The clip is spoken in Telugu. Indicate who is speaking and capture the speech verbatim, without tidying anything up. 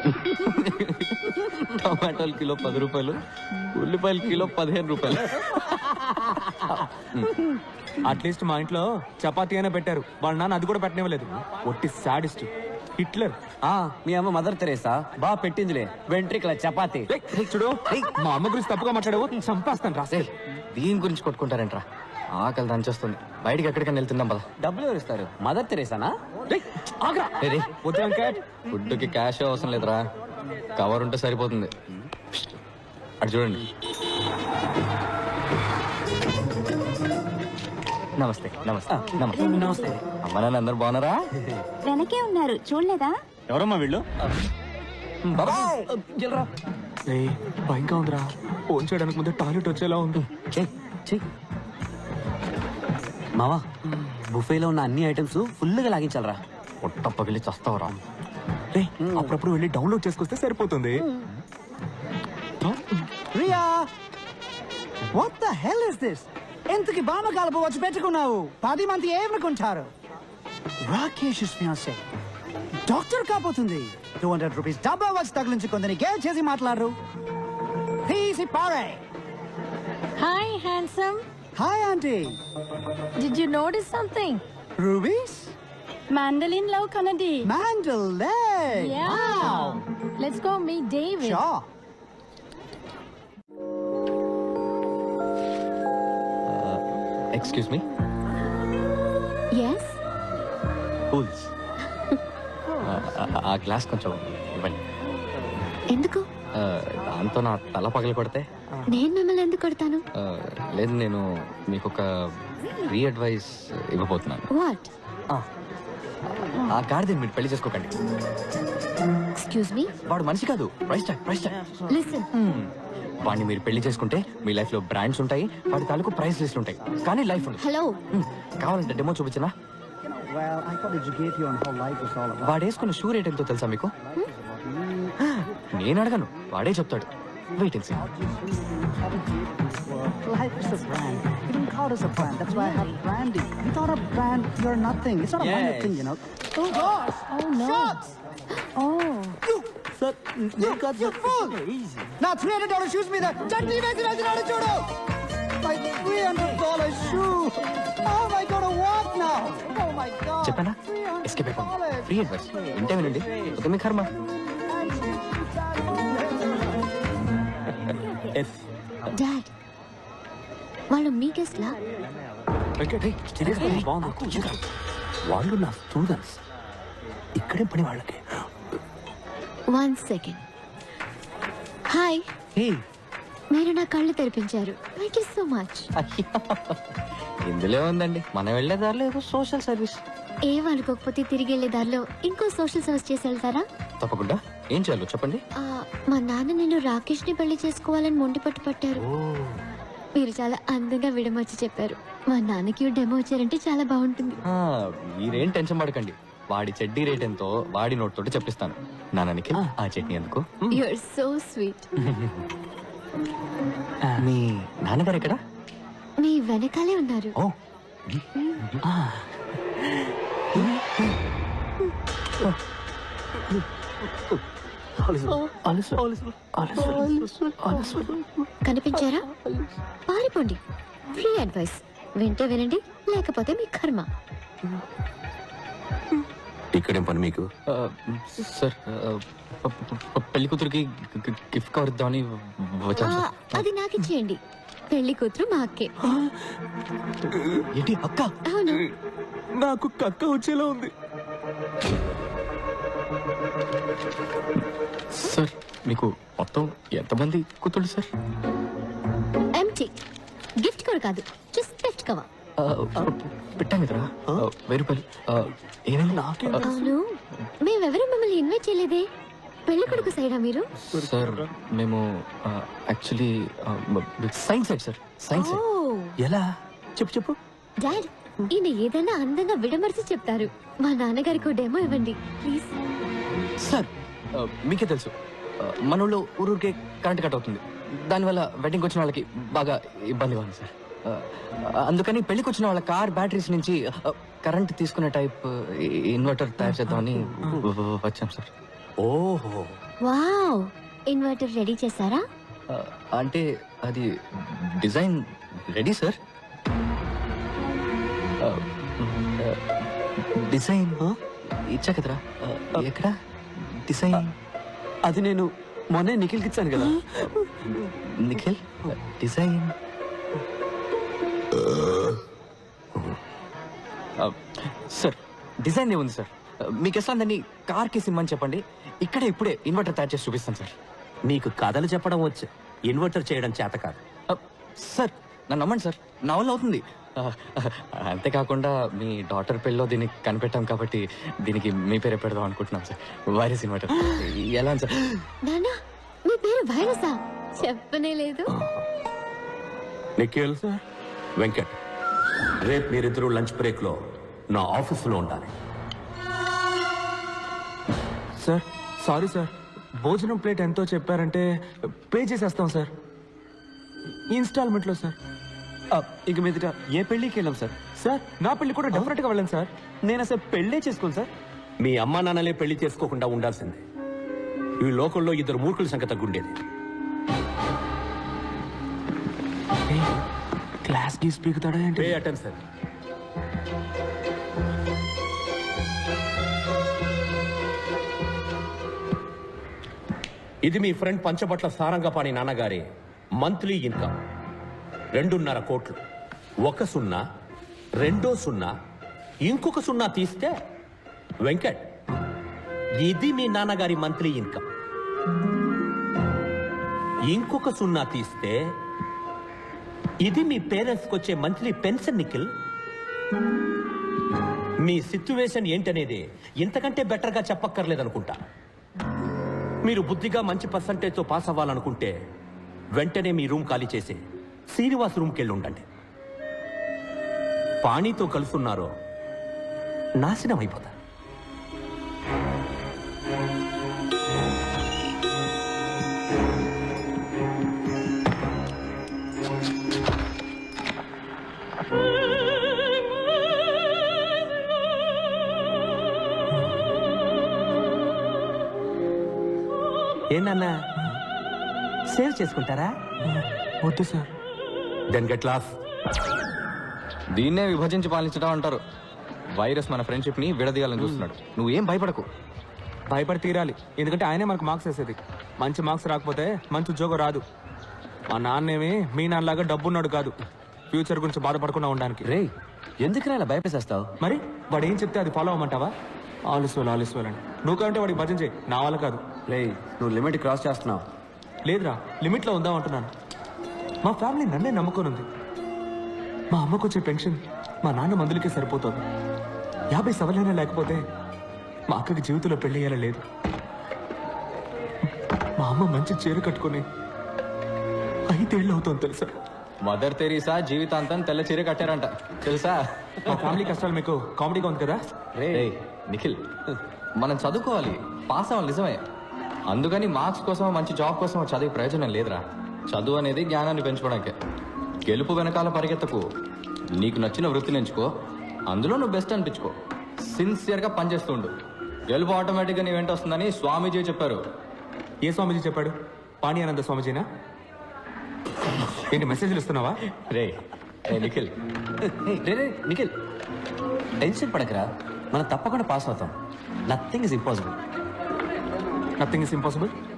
Speaker 1: టమాటాలు కిలో పది రూపాయలు, ఉల్లిపాయలు కిలో పదిహేను రూపాయలు. అట్లీస్ట్ మా ఇంట్లో చపాతీ అయినా పెట్టారు, వాళ్ళ నాన్న అది కూడా పెట్టనివ్వలేదు. ఒట్టి సాడిస్ట్ హిట్లర్.
Speaker 2: ఆ మీ అమ్మ మదర్ తెరేసా బా పెట్టిందిలే వెంట్రికల చపాతీ.
Speaker 1: చూడు మా అమ్మ గురించి తప్పుగా మాట్లాడావు, చంపేస్తాను రాసే.
Speaker 3: దీని గురించి కొట్టుకుంటారంట్రా, ఆకలి దంచేస్తుంది. బయటికి ఎక్కడికైనా వెళ్తున్నాం పద.
Speaker 2: డబ్బులు ఎవరు ఇస్తారు? మదర్ తెరేసానా?
Speaker 3: ఫుడ్ కి క్యాష్ అవసరం లేదురా, కవర్ ఉంటే సరిపోతుంది. అటు చూడండి. నమస్తే నమస్తే నమస్తే
Speaker 2: నమస్తే.
Speaker 3: అమ్మ నాన్న అందరు బాగున్నారా?
Speaker 4: వెనకే ఉన్నారు, చూడలేదా?
Speaker 1: ఎవరమ్మా వీళ్ళు? భయంగా ఉందిరా, ఫోన్ చేయడానికి ముందే టాయిలెట్ వచ్చేలా ఉంది.
Speaker 2: మావా బుఫేలో ఉన్న అన్ని ఐటమ్స్ ఫుల్ గా లాగించాలరా.
Speaker 3: పొట్ట పగిలి చస్తావురా.
Speaker 1: అప్పుడప్పుడు వెళ్ళి డౌన్లోడ్ చేసుకొస్తే సరిపోతుంది.
Speaker 5: Riya, what the hell is this? ఎంతకి బామ కలప వచ్చి పెట్టుకున్నావు? పది మంది ఏమనుకుంటారు? రాకేష్ ఫియాన్సీ డాక్టర్ కాబోతుంది. టూ హండ్రెడ్ రూపీస్ డబ్బా వచ్చి తగిలించుకుందని గేల్ చేసి మాట్లాడరు. ప్లీజ్ పారే.
Speaker 4: Hi handsome.
Speaker 5: Hi aunty.
Speaker 4: Did you notice something?
Speaker 5: Rubies?
Speaker 4: Mandolin love Kanadi.
Speaker 5: Mandalay.
Speaker 4: Yeah.
Speaker 5: Wow.
Speaker 4: Let's go meet David.
Speaker 5: Sure.
Speaker 3: Excuse me.
Speaker 4: Yes.
Speaker 3: కూల్స్. ఆ గ్లాస్ కొంచెం ఇవ్వండి.
Speaker 4: ఎందుకు?
Speaker 3: దాంతో నా తల పగలు కొడితే.
Speaker 4: నేను మిమ్మల్ని ఎందుకు కొడతాను?
Speaker 3: లేదు, నేను మీకు ఒక ఫ్రీ అడ్వైస్ ఇవ్వబోతున్నాను.
Speaker 4: వాట్?
Speaker 3: ఆ గాడిదని మీరు పెళ్లి చేసుకోకండి.
Speaker 4: Excuse me.
Speaker 3: వాడు మనిషి కాదు, price tag price tag.
Speaker 4: Listen.
Speaker 3: వాడిని మీరు పెళ్లి చేసుకుంటే మీ లైఫ్ లో బ్రాండ్స్ ఉంటాయి, వాడి తాలూకు ప్రైస్ లిస్ట్ ఉంటాయి, కానీ లైఫ్ ఉండదు.
Speaker 4: హలో,
Speaker 3: కావాలంటే డెమో చూపించనా?
Speaker 5: Well, I thought educate you on how life is all about.
Speaker 3: వాడు వేసుకున్న షూ రేట్ ఎంతో తెలుసా మీకు? నేను అడగను, వాడే చెప్తాడు. Wait and see.
Speaker 5: Life is a brand. You don't call us a brand. That's why I have branding. Without a brand, you're nothing. It's not a minor
Speaker 2: Yes.
Speaker 5: thing, you know. Oh gosh!
Speaker 4: oh no.
Speaker 5: Shots!
Speaker 4: Oh.
Speaker 5: Sir, you got your fool.
Speaker 2: Easy.
Speaker 5: Now three hundred dollars shoes me the chutney vesi vesi chudu. My three hundred dollars shoe. How am I going to walk now? Oh my god.
Speaker 3: చెప్పానా? ఎస్కేప్ అయిపోండి. ఫ్రీ అడ్వైస్ వింటే వినండి, ఒక మీ కర్మ.
Speaker 4: డాడ్, వాళ్ళు మీ గెస్ట్ లా?
Speaker 1: వాళ్ళు నా స్టూడెంట్స్, ఇక్కడే పని వాళ్ళకి.
Speaker 4: One second. హాయ్. మీరు నా కళ్ళు తెరిపించారు. Thank you so much.
Speaker 3: ఇందులో ఉందండి, మనం వెళ్లే దారిలో ఏదో సోషల్ సర్వీస్.
Speaker 4: ఏమనుకోకపోతే తిరిగి వెళ్లే దారిలో ఇంకో సోషల్ సర్వీస్ చేసి వెళ్తారా?
Speaker 3: తప్పకుండా. ఏం చేయాలో చెప్పండి.
Speaker 4: ఆ, మా నాన్న నేను రాకేష్ ని పెళ్లి చేసుకోవాలని మొండి పట్టు పట్టారు. మీరు చాలా అందంగా విడమర్చి చెప్పారు. మా నాన్నకి డెమో వచ్చారంటే చాలా బాగుంటుంది.
Speaker 3: మీరేం టెన్షన్ పడకండి, వాడి చెడ్డీ రేట్ ఎంతో వాడి నోట్ తోటి చెప్పిస్తాను. నాన్నకి ఆ చట్నీ ఎందుకు?
Speaker 4: You are so sweet.
Speaker 3: మీ నాన్నగారు ఎక్కడ?
Speaker 4: మీ వెనకాలే ఉన్నారు.
Speaker 3: ఓ
Speaker 4: కనిపించారా? పారిపోండి. ఫ్రీ అడ్వైస్ వింటే వినండి, లేకపోతే మీ కర్మ.
Speaker 1: ఇక్కడేం పని మీకు?
Speaker 3: సార్, పెళ్లి కూతురికి గిఫ్ట్ కవర్ ఇద్దామని వచ్చాను సార్.
Speaker 4: అది నాకు ఇచ్చేయండి. పెళ్లి కూతురు మా అక్కే.
Speaker 3: ఏంటి అక్క?
Speaker 4: అవును.
Speaker 1: నాకు కక్క వచ్చేలా ఉంది.
Speaker 3: సార్, మీకు మొత్తం ఎంతమంది కూతుళ్ళు సార్?
Speaker 4: ఎంటీ. గిఫ్ట్ కూడా కాదు, జస్ట్ గిఫ్ట్ కవా.
Speaker 3: పెట్టాం కదరా, వెయ్యి రూపాయలు. ఏమైంది?
Speaker 4: అవును, మేమెవరూ మిమ్మల్ని ఇన్వైట్ చేయలేదే. పెళ్లి కొడుకు సైడా మీరు?
Speaker 3: సార్, మేము actually science side sir, science side.
Speaker 1: ఎలా? చెప్పు చెప్పు.
Speaker 4: డాడ్, ఈయన ఏదైనా అందంగా విడమర్చి చెప్తారు. మా నాన్నగారికి డెమో ఇవ్వండి ప్లీజ్.
Speaker 3: సార్, మీకే తెలుసు మన ఊళ్ళో ఊరూరికే కరెంట్ కట్ అవుతుంది. దానివల్ల వెడ్డింగ్కి వచ్చిన వాళ్ళకి బాగా ఇబ్బందిగా ఉంది సార్. అందుకని పెళ్లికి వచ్చిన వాళ్ళ కార్ బ్యాటరీస్ నుంచి కరెంట్ తీసుకునే టైప్ ఇన్వర్టర్ తయారు చేద్దామని వచ్చాం సార్.
Speaker 1: ఓహో,
Speaker 4: వావ్, ఇన్వర్టర్ రెడీ చేశారా?
Speaker 3: ఆ, అంటే అది డిజైన్ రెడీ సార్. ఆ, ఆ, డిజైన్ ఇచ్చా కదరా. ఆ, ఎక్కడ డిజైన్?
Speaker 2: అది నేను మొన్నే నిఖిల్కి ఇచ్చాను కదా.
Speaker 3: నిఖిల్ డిజైన్. ఆ, సార్ డిజైన్ ఏముంది సార్? మీకు ఎట్లా దాన్ని కార్కి సిమ్మని చెప్పండి, ఇక్కడే ఇప్పుడే ఇన్వర్టర్ తయారు చేసి చూపిస్తాను సార్.
Speaker 2: నీకు కథలు చెప్పడం వచ్చు, ఇన్వర్టర్ చేయడం చేత కాదు.
Speaker 3: ఆ, సార్ నన్ను నమ్మండి సార్, నా వల్ల అవుతుంది. ఆ, అంతేకాకుండా మీ డాటర్ పెళ్ళిలో దీన్ని కనిపెట్టాం కాబట్టి దీనికి మీ పేరే పెడదాం అనుకుంటున్నాం సార్. వైరస్ ఇన్వర్టర్ ఎలా ఉంది సార్?
Speaker 4: నానా, మీ పేరు వైరసా? చెప్పనే లేదు.
Speaker 6: నిఖిల్ వెంకట్, రేపు మీరిద్దరూ లంచ్ బ్రేక్ లో నా ఆఫీసులో ఉండాలి.
Speaker 1: సార్ సారీ సార్, భోజనం ప్లేట్ ఎంతో చెప్పారంటే పే చేసేస్తాం సార్, ఇన్స్టాల్మెంట్లో సార్.
Speaker 2: ఆ, ఇక మీదట ఏ పెళ్ళికి వెళ్ళాం సార్.
Speaker 1: సార్ నా పెళ్లి కూడా డెఫినెట్ గా వెళ్ళండి సార్.
Speaker 2: నేను అసలు పెళ్ళే చేసుకోను సార్.
Speaker 6: మీ అమ్మా నాన్నలే పెళ్లి చేసుకోకుండా ఉండాల్సిందే. ఈ లోకంలో ఇద్దరు మూర్ఖుల సంఖ్య తగ్గుండేది.
Speaker 1: క్లాస్ కి స్పీకుతాడా ఏంటి?
Speaker 6: Pay attention. ఇది మీ ఫ్రెండ్ పంచబట్ల సారంగపాణి నాన్నగారి మంత్లీ ఇన్కమ్ రెండున్నర కోట్లు. ఒక సున్నా, రెండో సున్నా, ఇంకొక సున్నా తీస్తే వెంకట్, ఇది మీ నాన్నగారి మంత్లీ ఇన్కమ్. ఇంకొక సున్నా తీస్తే ఇది మీ పేరెంట్స్కి వచ్చే మంత్లీ పెన్షన్. నిఖిల్, మీ సిచ్యువేషన్ ఏంటనేది ఇంతకంటే బెటర్గా చెప్పక్కర్లేదనుకుంటా. మీరు బుద్ధిగా మంచి పర్సంటేజ్తో పాస్ అవ్వాలనుకుంటే వెంటనే మీ రూమ్ ఖాళీ చేసి శ్రీనివాస్ రూమ్కి వెళ్ళి ఉండండి. పాణితో కలుసున్నారో నాశనం అయిపోతారు.
Speaker 2: ఏంటన్నా సేవ్ చేసుకుంటారా?
Speaker 1: వద్దు సార్.
Speaker 6: Then get lost.
Speaker 3: దీన్నే విభజించి పాలించడం అంటారు. వైరస్ మన ఫ్రెండ్షిప్ ని విడదీయాలని చూస్తున్నాడు. నువ్వేం భయపడకు.
Speaker 1: భయపడి తీరాలి, ఎందుకంటే ఆయనే మనకు మార్క్స్ వేసేది. మంచి మార్క్స్ రాకపోతే మంచి ఉద్యోగం రాదు. మా నాన్నేమి మీ నాన్నలాగా డబ్బున్నాడు కాదు, ఫ్యూచర్ గురించి బాధపడకుండా ఉండడానికి.
Speaker 2: రే, ఎందుకు ఇలా భయపేసేస్తావు?
Speaker 1: మరి వాడు ఏం చెప్తే అది ఫాలో అవ్వమంటావా? ఆలస్వాలు ఆలస్వాలు అని నువ్వు కంటే వాడికి భజన చేయి, నా వల్ల కాదు.
Speaker 2: రే, నువ్వు లిమిట్ క్రాస్ చేస్తున్నావు.
Speaker 1: లేదురా, లిమిట్లో ఉందాం అంటున్నాను. మా ఫ్యామిలీ నన్నే నమ్ముకొని ఉంది. మా అమ్మకు వచ్చే పెన్షన్ మా నాన్న మందులకే సరిపోతుంది. యాభై సవలైనా లేకపోతే మా అక్కకి జీవితంలో పెళ్లి అయ్యేలా లేదు. మా అమ్మ మంచి చీర కట్టుకుని ఐదేళ్ళు అవుతుంది తెలుసా?
Speaker 3: మదర్ తెరీసా జీవితాంతం తెల్ల చీర కట్టారంట తెలుసా?
Speaker 1: మా ఫ్యామిలీ కష్టాలు మీకు కామెడీగా ఉంది కదా?
Speaker 3: రే నిఖిల్, మనం చదువుకోవాలి, పాస్ అవ్వాలి నిజమే. అందుకని మార్క్స్ కోసం మంచి జాబ్ కోసం చదివే ప్రయోజనం లేదురా. చదువు అనేది జ్ఞానాన్ని పెంచుకోవడానికే. గెలుపు వెనకాల పరిగెత్తకు, నీకు నచ్చిన వృత్తిని ఎంచుకో, అందులో నువ్వు బెస్ట్ అనిపించుకో, సిన్సియర్గా పనిచేస్తూ ఉండు. గెలుపు ఆటోమేటిక్గా నీ వెంట వస్తుందని స్వామీజీ చెప్పారు.
Speaker 1: ఏ స్వామీజీ చెప్పాడు? పాణి ఆనంద స్వామీజీనా? ఏంటి మెసేజ్లు ఇస్తున్నావా?
Speaker 3: రే రే నిఖిల్,
Speaker 2: ఏయ్, రే రే నిఖిల్, టెన్షన్ పడకరా, మనం తప్పకుండా పాస్ అవుతాం. Nothing is impossible.
Speaker 1: Nothing is impossible.